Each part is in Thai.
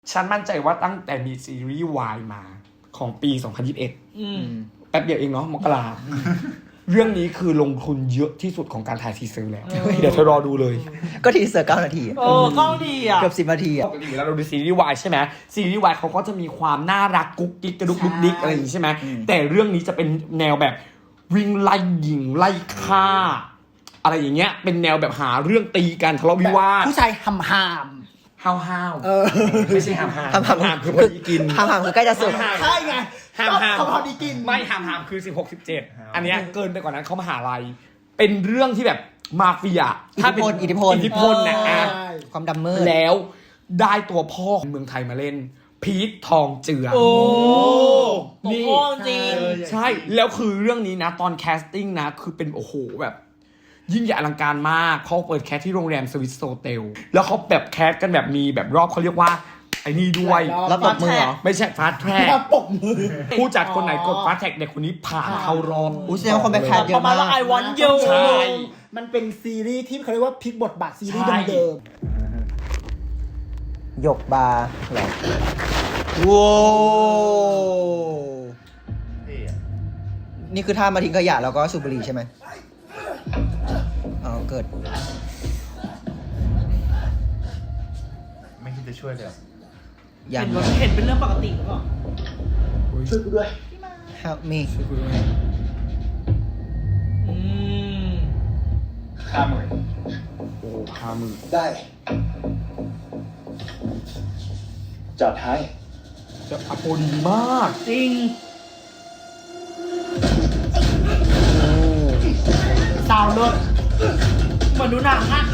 ฉันมั่นใจว่าตั้งแต่มีซีรีส์วายมาของปี 2021แป๊บเดียวเองเนาะมกราเรื่องนี้คือลงทุนเยอะที่สุดของการถ่ายทีเซอร์แล้วเดี๋ยวเธอรอดูเลยก็ทีเซอร์9 นาทีก็ดีอ่ะเกือบ10 นาทีอ่ะปกติแล้วเราดูซีรีส์วายใช่ไหมซีรีส์วายเขาก็จะมีความน่ารักกุ๊กกิ๊กกระดุกดุกดิกอะไรอย่างนี้ใช่ไหมแต่เรื่องนี้จะเป็นแนวแบบวิ่งไล่ยิงไล่ฆ่าอะไรอย่างเงี้ยเป็นแนวแบบหาเรื่องตีกันทะเลาะวิวาทผู้ชายหำห้าวไม่ใช่ห้ามคือพอดีกินห้ามคือใกล้จะสุดใช่ไงห้ามพอดีกินไม่ห้ามคือ16 17อันเนี้ยเกินไปกว่านั้นเขามหาลัยเป็นเรื่องที่แบบมาเฟียถ้าเป็นอิทธิพลนะความดำมืดแล้วได้ตัวพ่อของเมืองไทยมาเล่นพีททองเจือนี่จริงใช่แล้วคือเรื่องนี้นะตอนแคสติ้งนะคือเป็นโอ้โหแบบยิ่งใหญ่อลังการมากเขาเปิดแคสที่โรงแรมสวิสโซเทลแล้วเขาแบบแคสกันแบบมีแบบรอบเขาเรียกว่าไอ้นี่ด้วยแล้วปรบมือเหรอไม่ใช่ฟาสแทร็กผู้จัดคนไหนกดฟาสแทร็กเด็กคนนี้ผ่านเข้ารอบแสดงว่าคนไปแคสเยอะมากไอวอนยูใช่มันเป็นซีรีส์ที่เขาเรียกว่าพลิกบทบาทซีรีส์เดิมหยกบาร์เหรอว้นี่คือท่ามาทิ้งขยะแล้วก็สูบบุหรี่ใช่ไหมเกิดไม่คิดจะช่วยเลยเห็นเป็นเรื่องปกติหรือเปล่าช่วยกูด้วย Help me ช่วยกูด้วยโอ้ 50,000 ได้จัดให้จะอโปดีมากจริงสาวรถเหมือนดูหนังอ่ะ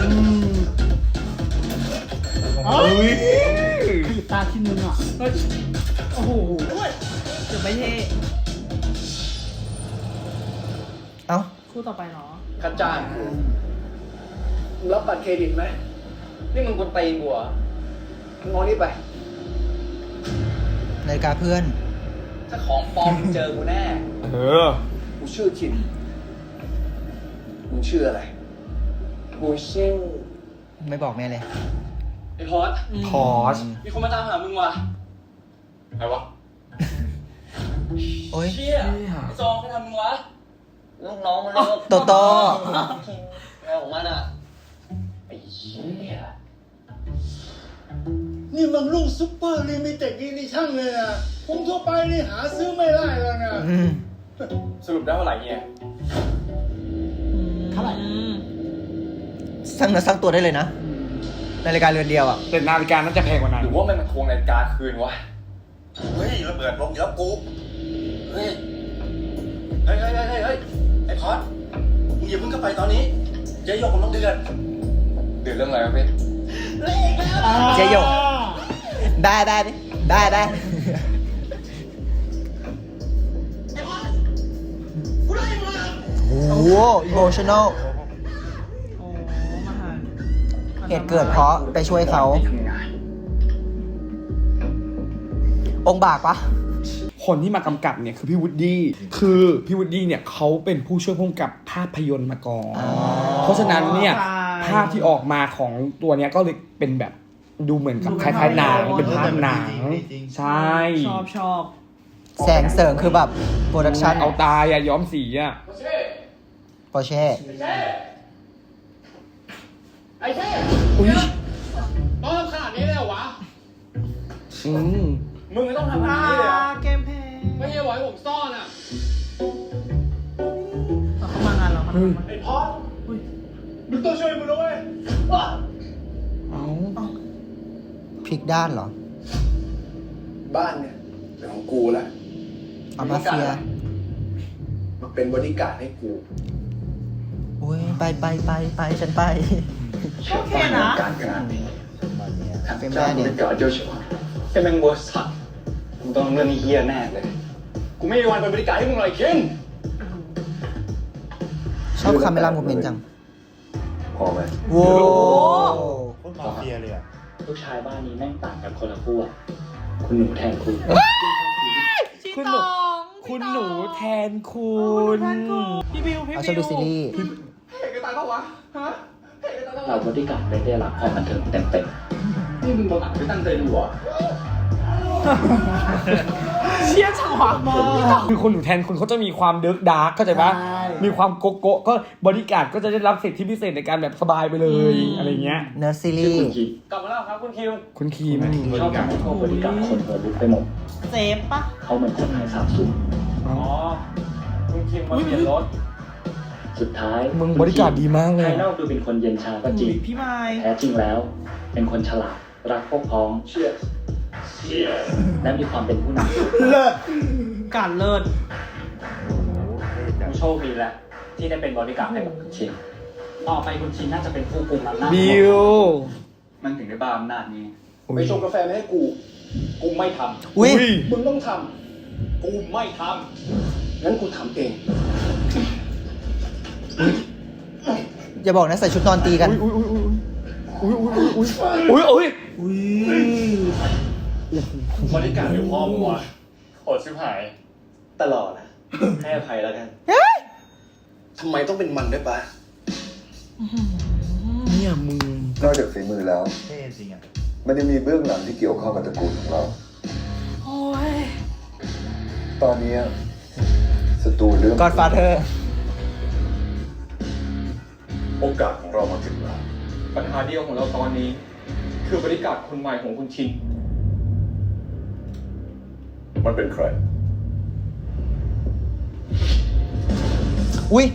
คือตาที่นึงอ่ะโอ้โหเดี๋ยวไม่เท่คู่ต่อไปเนาะคัดจ้างรับบัตรเครดิตไหมนี่มึงคนตีนกูเหรองอนี่ไปนาฬิกาเพื่อนถ้าของปลอมมึงเจอกูแน่กูชื่อคิมมึงชื่ออะไรกูชื่อไม่บอกแม่เลยไอ้พอสมีคนมาตามหามึงว่ะใครวะโอ้ยเชี่ยไอ้ซองใครทำมึงวะลูกน้องมันเลยโตแม่ของมันอ่ะไอ้เหี้ยนี่มันลูกซุปเปอร์ลิมิเต็ดอีดิชั่นเลยนะคงทั่วไปนี่หาซื้อไม่ได้แล้วนะสรุปได้เท่าไหร่เนี่ยเท่าไหร่สร้างเนื้อสร้างตัวได้เลยนะนาฬิกาเรือนเดียวอ่ะแต่นาฬิกาน่าจะแพงกว่านั้นหรือว่ามันทวงนาฬิกาคืนวะเฮ้ยระเบิดลงอีกแล้วกูเฮ้ยไอ้พอดมึงอย่าเพิ่งเข้าไปตอนนี้เจ๊หยกผมต้องเดือดเรื่องอะไรครับพี่เจ๊หยกได้โอ้โหอิโมชั่นอลเหตุเกิดเพราะไปช่วยเขาองค์บากปะคนที่มากำกับเนี่ยคือพี่วูดดี้คือพี่วูดดี้เนี่ยเขาเป็นผู้ช่วยผู้กำกับภาพยนตร์มาก่อนเพราะฉะนั้นเนี่ยภาพที่ออกมาของตัวเนี้ยก็เลยเป็นแบบดูเหมือนกับคล้ายๆหนังเป็นภาพหนังใช่ชอบแสงเสริงคือแบบโปรดักชั่นเอาตายย้อมสีปอร์เช่ไอ้เท่ต้องทำขนาดนี้เลยเหรอวะมึงไม่ต้องทำขนาดนี้เลยเกมเพย์ไม่ใช่ไว้ผมซ่อนอ่ะเขามางานเราไอ้พอดมึงต้องช่วยมึงด้วยพลิกด้านเหรอบ้านเนี่ยเป็นของกูแหละเอามาเฟียมาเป็นบริการให้กูโอ้ยไปฉันไปโอเคนะการขนาดนี้เป็นแม่เนี่ยเกิดเจ้าชัวเป็นแมงบอสสัตว์มึงต้องเรื่องนี้เฮี้ยแน่เลยกูไม่มีวันเป็นบริการให้มึงเลยคิมชอบคาเมล่าโมเมนต์จังพอไหมโว้คนมาเฟียเลยอ่ะลูกชายบ้านนี้แม่งต่างกันคนละขั้วคุณหนูแทนคุณคุณหนูแทนคุณพี่บิวเอาชอบดูซีรีส์เห็นกันตายปะวะฮะเราบริการได้รับความบันเทิงเต็มๆนี่มึงบังอาจไม่ตั้งใจดูอ่ะเชี่ยฉวากมากคือคนหนูแทนคุณเขาจะมีความเดิร์กดาร์กเข้าใจปะใช่มีความโกโก้ก็บริการดก็จะได้รับสิทธิพิเศษในการแบบสบายไปเลยอะไรเงี้ยเนื้อซีรีคุณส์คิมกลับมาแล้วครับคุณคิมคุณคีมชอบการเข้าบริการคนเปิดลุกไปหมดเซฟปะเขาเหมือนคนหายสาบสูญอ๋อคุณคิมมาเปลี่ยนรถ สุดท้ายมึงบริการดดีมากเลยภายนอกดูเป็นคนเย็นชาก็จริงพี่ไม้แท้จริงแล้ว เป็นคนฉลาด รักพวกพ้องเชื่อและมีความเป็นผู้นำเลิศการเลิศผู้โชคดีแหละที่ได้เป็นบริการดให้กับคุณชินต่อไปคุณชินน่าจะเป็นผู้กุมอำนาจบิวมันถึงได้บ้าอำนาจนี้อุ๊ยไปชงกาแฟมาให้กู กูไม่ทอุ้ยำมึงต้องทำกูไม่ทำงั้นกูทำเองอย่าบอกนะใส่ชุดนอนตีกันอุ้ยอุ้ยอุ้ยอุ้ยอุ้ยอุ้ยอุ้ยอุ้ยบริการดเดี๋ยวพ่อมึงวะโหดชิบหาย ตลอดนะให้อภัยแล้วกันทำไมต้องเป็นมันด้วยปะเนี่ยมึงนอกจากฝีมือแล้วเท่จริงอ่ะมันยังมีเบื้องหลังที่เกี่ยวข้องกับตระกูลของเราโอ้ยตอนนี้ศัตรูเรื่อง Godfather โอกาสของเรามาถึงแล้วปัญหาเดียวของเราตอนนี้ คือบริการดคนใหม่ของคุณชินมันเป็นใครอุ้ย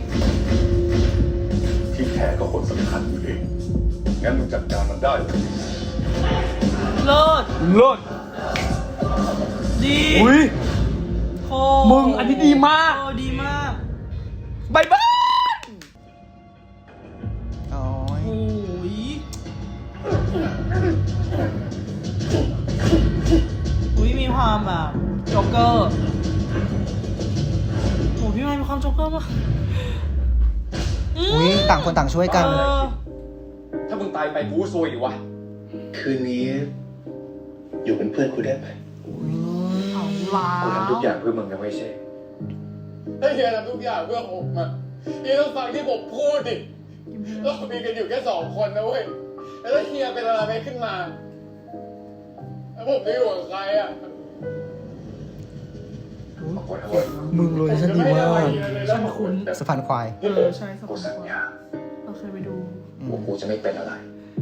ที่แท้ก็คนสำคัญอยู่เอง งั้นมึงจัดการมันได้เลยเลิศเลิศดีอุ้ยโคมึงอันนี้ดีมากโอ้ดีมากบายบายโอ้ยโอ้ยอุ้ยมีความแบบโจ๊กเกอร์โอ้พี่ไม้มีความโจ๊กเกอร์ปะอุ้ยต่างคนต่างช่วยกันเออถ้ามึงตายไปกูซวยอีกวะคืนนี้ อยู่เป็นเพื่อนกูได้ไหมเอาล้ากูทำทุกอย่างเพื่อมึงนะไม่ใช่ถ้าเฮียทำทุกอย่างเพื่อผมอะเฮียต้องฟังที่ผมพูดดิเรามีกันอยู่แค่2 คนนะเว้ย แล้วถ้าเฮียเป็นอะไรไปขึ้นมา แล้วผมจะอยู่กับใครอะมึงเลยฉันดีมากฉันคุ้นสะพานควายเออใช่สปอนเซอร์เราเคยไปดูว่ากูจะไม่เป็นอะไร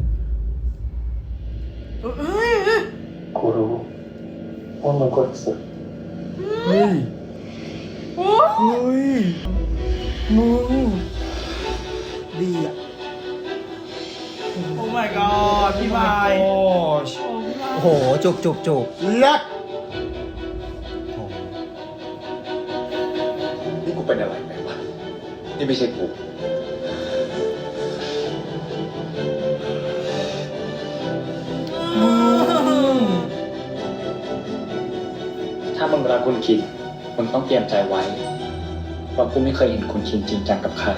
เอ้ยกูรู้ว่ามึงก็รู้สึกเฮ้ยโอ้เฮ้ย มึงดีอ่ะโอ้ my god พี่ไม้โอ้โอ้พี่ไม้โอ้โห จุกจุกจุกเลิศนี่กูเป็นอะไรไปวะนี่ไม่ใช่กู ถ้ามึงรักคุณคินมึงต้องเตรียมใจไว้เพราะกูไม่เคยเห็นคุณคินจริงจังกับใคร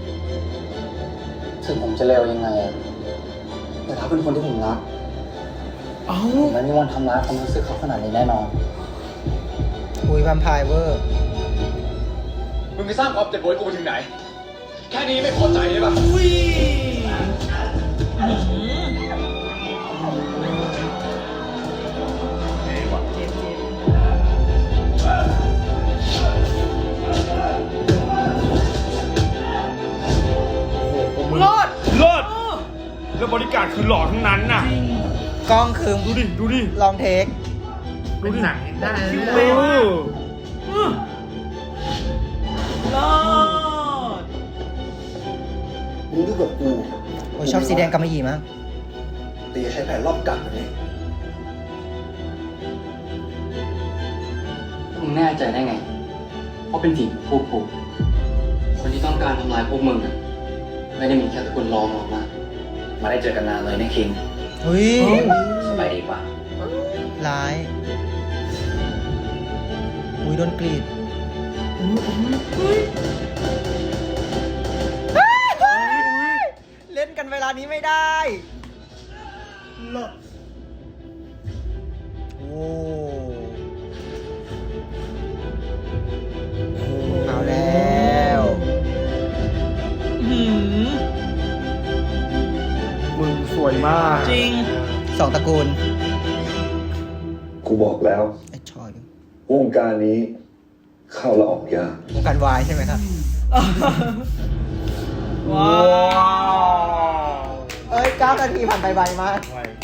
ถึงผมจะเลวยังไงอะแต่ถ้าเป็นคนที่ผมรักเอ้าผมไม่มีวันทำร้ายความรู้สึกเขาขนาดนี้แน่นอนอุ้ยแวมไพร์เวอร์มึงไปสร้างความเจ็บปวดให้กูไปถึงไหน แค่นี้ไม่พอใจใช่ปะอุ้ยเจ็บเจ็บเลิศเลิศแล้วบริการคือหล่อทั้งนั้นน่ะกล้องคือดูดิ ดูดิลองเทคดูดิได้คิ้วเลเวยเลิศมึงดูกับกูโอ้ยชอบสีแดงกำมะหยี่มากแต่อย่าใช้แผนรอบกัดแบบนี้มึงแน่ใจได้ไง เพราะเป็นสิ่งพวกกูคนที่ต้องการทำลายพวกมึงอะไม่ได้มีแค่คนรองออกมา มาได้เจอกันนานเลยนะคิงอุ้ยสบายดีป่ะร้าย อุ้ยโดนกรีด เล่นกันเวลานี้ไม่ได้ โอ้เอาแล้วหืมมึงสวยมากจริงสองตระกูลกูบอกแล้วไอ้ชอยวงการนี้เข้าและออกยากวงการวายใช่ไหมครับว้าวเอ้ย9 นาทีผ่านไปไวมาก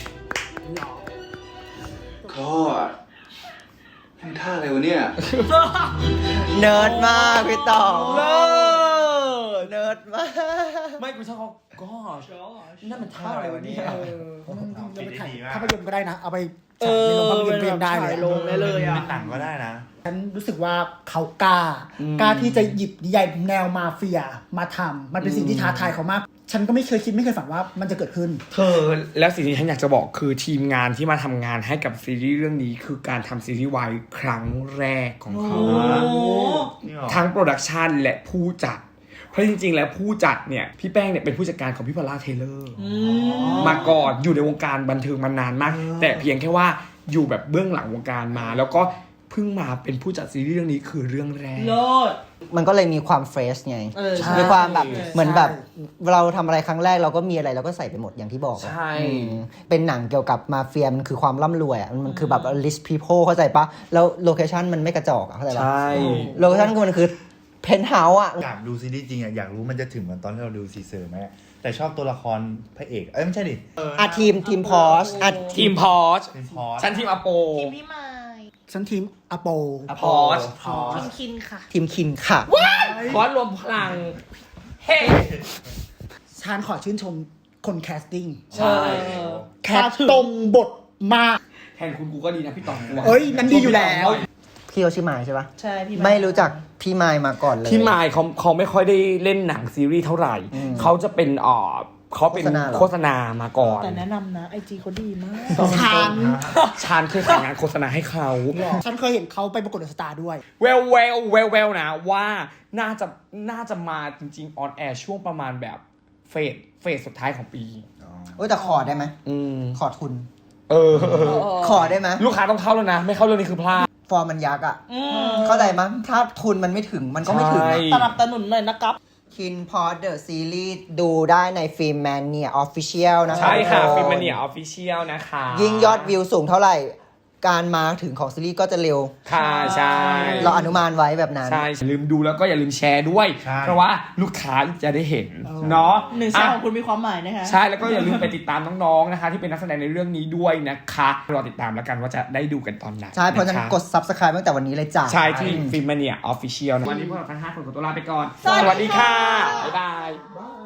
ก็ให้ท่าอะไรวะเนี่ยเนิร์ดมากพี่ต่อเนิร์ดมากไม่กูชอบเขาก็นั่นมันท่าอะไรวะเนี่ยเราไปถ่ายภาพยนตร์ก็ได้นะ เอาไปเอฉายอในโรงภาพยนตร์ก็ยังได้เลยถ่ายลงได้เลยอ่ะเป็นหนังก็ได้นะฉันรู้สึกว่าเขากล้ากล้าที่จะหยิบนิยายแนวมาเฟียมาทำมันเป็นสิ่งที่ท้าทายเขามาก ฉันก็ไม่เคยคิดไม่เคยฝันว่ามันจะเกิดขึ้นเธอแล้วสิ่งที่ฉันอยากจะบอกคือทีมงานที่มาทำงานให้กับซีรีส์เรื่องนี้คือการทำซีรีส์วายครั้งแรกของเขาโอ้ทั้งโปรดักชันและผู้จัด เพราะจริงๆแล้วผู้จัดเนี่ยพี่แป้งเนี่ยเป็นผู้จัดการของพี่พอลล่าเทเลอร์มาก่อนอยู่ในวงการบันเทิงมานานมาก แต่เพียงแค่ว่าอยู่แบบเบื้องหลังวงการมา แล้วก็เพิ่งมาเป็นผู้จัดซีรีส์เรื่องนี้คือเรื่องแรกโลดมันก็เลยมีความเฟรชไงเออใช่มีความแบบใช่เหมือนแบบเราทำอะไรครั้งแรกเราก็มีอะไรเราก็ใส่ไปหมดอย่างที่บอกอะใช่เป็นหนังเกี่ยวกับมาเฟียมันคือความร่ำรวยอ่ะมันคือแบบ rich people เข้าใจปะแล้วโลเคชั่นมันไม่กระจอกอะเข้าใจปะใช่โลเคชั่นมันคือเพนท์เฮาส์อ่ะอยากดูซีรีส์จริงอ่ะ อยากรู้มันจะถึงเหมือนตอนที่เราดูซีเซอร์ไหมแต่ชอบตัวละครพระเอก ไม่ใช่ดิอ่ะทีมพอชอ่ะทีมพอชเป็นพอสฉันทีมอโปทีมพี่ไม้ฉันทีมอโปพอชทีมคินค่ะทีมคินค่ะพอชรวมพลังเฮ้ฉันขอชื่นชมคนแคสติ้งใช่แคสตรงบทมากแทนคุณกูก็ดีนะพี่ต๋องกูะเอ้ยนั้นดีอยู่แล้วพี่เขาชื่อไมายใช่ปะใช่พี่ไม่รู้จักพี่ไมายมาก่อนเลยพี่มายเขาไม่ค่อยได้เล่นหนังซีรีส์เท่าไหร่ เขาจะเป็นเขาเป็นโฆษณาเหรอโฆษณามาก่อนแต่แนะนำนะไอจีเขาดีมากฉันชานเคยขายงานโฆษณาให้เขาฉันเคยเห็นเขาไปประกวดเดอะสตาร์ด้วยแววนะว่าน่าจะมาจริงๆออนแอร์ช่วงประมาณแบบเฟสสุดท้ายของปีโอ้ยแต่ขอได้ไหมอืมขอทุนเขอได้ไหมลูกค้าต้องเข้าแล้วนะ ไม่เข้าเรื่องนี้คือพลาดฟอร์มมันยักษ์อ่ะเข้าใจมั้ยถ้าทุนมันไม่ถึงมันก็ไม่ถึงใช่อะสนับสนุนหน่อยนะครับคินพอดเดอะซีรีส์ดูได้ในฟิล์มแมนเนียออฟฟิเชียลนะคะใช่ค่ะทุกนฟิล์มเนียออฟฟิเชียลนะคะยิ่งยอดวิวสูงเท่าไหร่ การมาถึงของซีรีส์ก็จะเร็วค่ะใช่เราอนุมานไว้แบบนั้นใช่อย่าลืมดูแล้วก็อย่าลืมแชร์ด้วยใช่เพราะว่าลูกค้าจะได้เห็นเนาะหนึ่งแชร์ของคุณมีความหมายนะคะใช่แล้วก็อย่าลืมไปติดตามน้องๆนะคะ ที่เป็นนักแสดงในเรื่องนี้ด้วยนะคะรอติดตามแล้วกันว่าจะได้ดูกันตอนไหนใช่ เพราะฉะนั้นคกด Subscribe ตั้งแต่วันนี้เลยจ้ะใช่ที่ฟิล์มเนียออฟฟิเชียลวันนี้พวกเราทั้ง5 คนขอตัวลาไปก่อนสวัสดีค่ะบ๊ายบาย